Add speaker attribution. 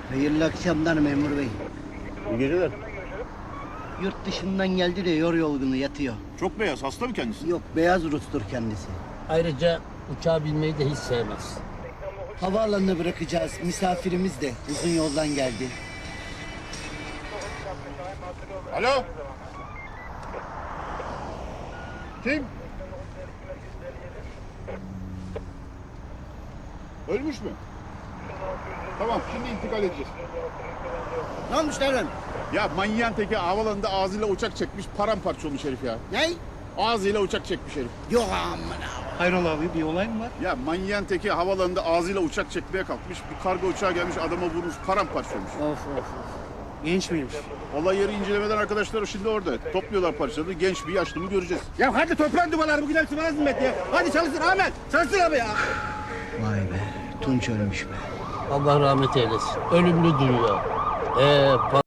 Speaker 1: Hayırlı akşamlar memur bey.
Speaker 2: İyi geceler.
Speaker 1: Yurt dışından geldi de yorgunu yatıyor.
Speaker 2: Çok beyaz, hasta mı kendisi?
Speaker 1: Yok, beyaz Rus'tur kendisi.
Speaker 3: Ayrıca uçağa binmeyi de hiç sevmez.
Speaker 1: Havaalanına bırakacağız. Misafirimiz de uzun yoldan geldi.
Speaker 2: Alo? Kim? Ölmüş mü? Tamam, şimdi intikal edeceğiz.
Speaker 1: Ne olmuş lan?
Speaker 2: Ya manyağın teki havalanında ağzıyla uçak çekmiş, paramparça olmuş herif ya.
Speaker 1: Ne?
Speaker 2: Ağzıyla uçak çekmiş herif.
Speaker 1: Yok amına.
Speaker 4: Hayrola abi, bir olay mı var?
Speaker 2: Ya manyağın teki havalanında ağzıyla uçak çekmeye kalkmış, bir kargo uçağı gelmiş, adama vurmuş, paramparça olmuş.
Speaker 4: Of. Genç miymiş?
Speaker 2: Olay yeri incelemeden arkadaşlar şimdi orada. Topluyorlar parçaları, genç bir yaşlı mı göreceğiz.
Speaker 4: Ya hadi toplan duvarları, bugün hepsi bana zimmet ya. Hadi çalışsın Ahmet, çalışsın abi ya.
Speaker 1: Vay be, Tunç ölmüş be.
Speaker 3: Allah rahmet eylesin. Ölümlü dünya.